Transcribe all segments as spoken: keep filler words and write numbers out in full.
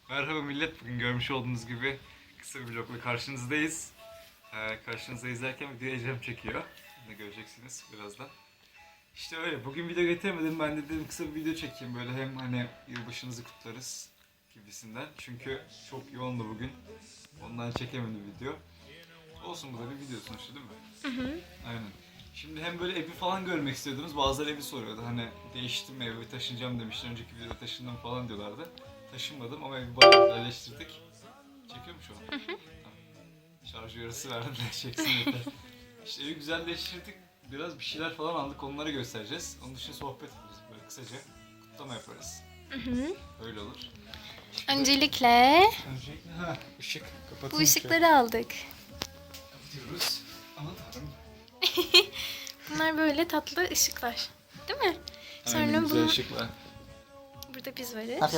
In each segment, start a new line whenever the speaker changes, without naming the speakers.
Merhaba millet, bugün görmüş olduğunuz gibi kısa bir vlogla karşınızdayız. Ee, karşınızda izlerken video Ecem çekiyor. Bunu göreceksiniz birazdan. İşte öyle, bugün video getiremedim, ben de dedim kısa bir video çekeyim böyle hem hani yılbaşınızı kutlarız gibisinden. Çünkü çok yoğundu bugün, ondan çekemedim video. Olsun, bu da bir video sonuçta değil mi?
Hı hı.
Aynen. Şimdi hem böyle evi falan görmek istiyordunuz, bazıları evi soruyordu. Hani değiştim mi, evi taşınacağım demişler, önceki videoda taşındım falan diyorlardı. Taşınmadım ama evi bayağı güzelleştirdik. Çekiyor mu şu an?
Hı hı.
Tamam. Şarj uyarısı verdim de çeksin yeter. İşte evi güzelleştirdik, biraz bir şeyler falan aldık, onları göstereceğiz. Onun dışında sohbet ederiz böyle kısaca, kutlama yaparız.
Hı hı.
Öyle olur.
Öncelikle
Öncelikle ha, ışık kapatın.
bu ışıkları aldık.
Kapatıyoruz. Aman tanrım.
Bunlar böyle tatlı ışıklar. Değil mi? Sonra
Aynen, güzel
bu
ışıklar.
burada biz varız.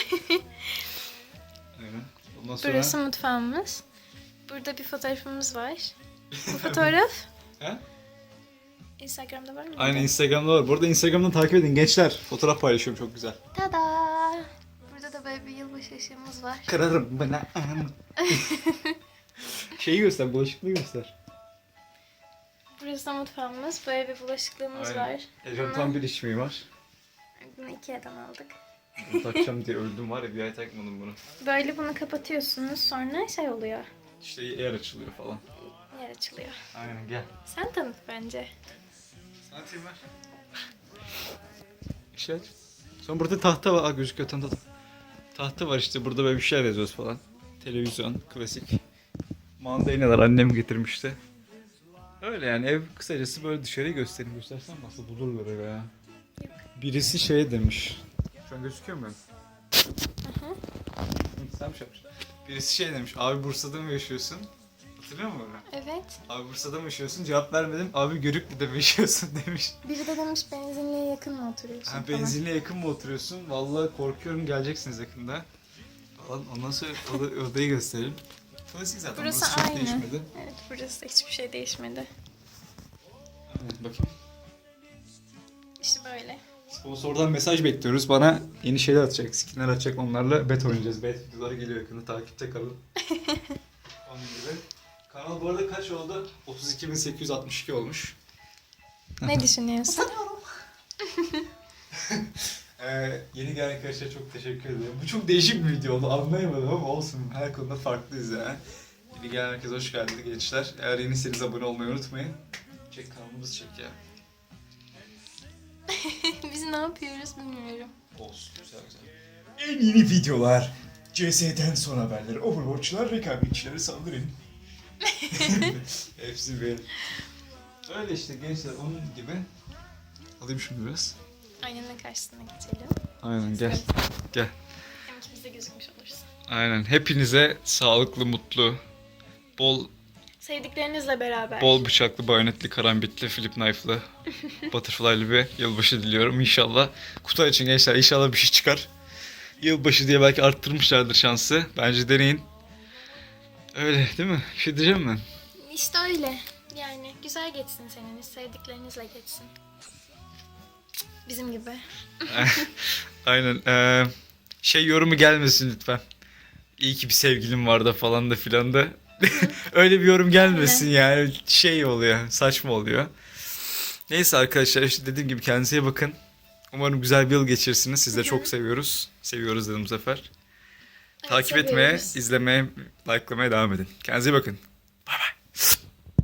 Aynen. Ondan sonra...
Burası mutfağımız. Burada bir fotoğrafımız var. Bu fotoğraf
He?
Instagram'da var mı?
Aynen, Instagram'da var. Bu arada Instagram'dan takip edin gençler. Fotoğraf paylaşıyorum, çok güzel.
Tada! Burada da böyle bir yılbaşı ışığımız var.
Kırarım bana. Şeyi göster, bulaşıklığı göster.
Burası da mutfağımız. Böyle bir bulaşıklığımız var.
Ecem tam bir iç mimar.
Bunu Ikea'dan aldık.
Bunu takacağım diye öldüm var ya, bir ay takmadım bunu.
Böyle bunu kapatıyorsunuz, sonra şey oluyor.
İşte yer açılıyor falan.
Yer açılıyor.
Aynen, gel.
Sen tanıt bence.
Sana atayım ver. İşte aç. Sonra burada tahta var. Aa, gözüküyor tam tahta. Tahta var işte, burada böyle bir şeyler yazıyoruz falan. Televizyon, klasik. Mandalinalar annem getirmişti. Öyle yani, ev kısacası böyle, dışarıyı göstereyim. Göstersem nasıl bulurlar eve ya.
Yok.
Birisi şey demiş. Şu an gözüküyor mu?
Hı hı.
Sen mi şey yapmışsın? Birisi şey demiş. Abi Bursa'da mı yaşıyorsun? Hatırlıyor musun onu?
Evet.
Abi Bursa'da mı yaşıyorsun? Cevap vermedim. Abi Görüklü'de mi yaşıyorsun demiş.
Biri de demiş benzinliğe yakın mı oturuyorsun
Ha,
falan.
benzinliğe yakın mı oturuyorsun? Vallahi korkuyorum, geleceksiniz yakında. Falan. Ondan sonra oda, odayı gösterelim. Klasik zaten.
Burası
Burası çok
aynı.
değişmedi.
Evet, burası da hiçbir şey değişmedi.
Evet, bakayım.
İşte böyle.
Sponsordan mesaj bekliyoruz. Bana yeni şeyler atacak, skinler atacak. Onlarla bet oynayacağız. Bet videoları geliyor yakında. Takipte kalın. Onun gibi. Kanal bu arada kaç oldu? otuz iki bin sekiz yüz altmış iki olmuş.
Ne düşünüyorsun?
Ee, yeni gelen arkadaşlara çok teşekkür ederim. Bu çok değişik bir video oldu. Anlayamadım ama olsun. Her konuda farklıyız yani. Yeni gelen herkese hoş geldiniz gençler. Eğer yeniyseniz abone olmayı unutmayın. Çek, kanalımızı çek ya.
Biz ne yapıyoruz bilmiyorum.
Olsun. Güzel güzel. En yeni videolar. C S'den son haberler. Overwatch'lar, rekabetçilere saldırın. Hepsi benim. Öyle işte gençler, onun gibi. Alayım şunu biraz.
Aynanın karşısına geçelim.
Aynen, gel. Gel.
Hem ikimiz de gözükmüş oluruz.
Aynen. Hepinize sağlıklı, mutlu, bol
Sevdiklerinizle beraber.
bol bıçaklı, bayonetli, karambitli, flip knife'lı, butterfly'lı bir yılbaşı diliyorum inşallah. Kutu açın gençler, inşallah bir şey çıkar. Yılbaşı diye belki arttırmışlardır şansı. Bence deneyin. Öyle değil mi? Bir şey diyeceğim mi?
İşte öyle. Yani güzel geçsin seneniz. Sevdiklerinizle geçsin. Bizim gibi.
Aynen. Ee, şey yorumu gelmesin lütfen. İyi ki bir sevgilim vardı falan da filan da. Öyle bir yorum gelmesin yani. Şey oluyor, saçma oluyor. Neyse arkadaşlar, işte dediğim gibi kendinize iyi bakın. Umarım güzel bir yıl geçirirsiniz. Siz de çok seviyoruz. Seviyoruz dedim bu sefer.
Evet,
Takip etmeye,
seviyoruz.
izlemeye, like'lamaya devam edin. Kendinize iyi bakın.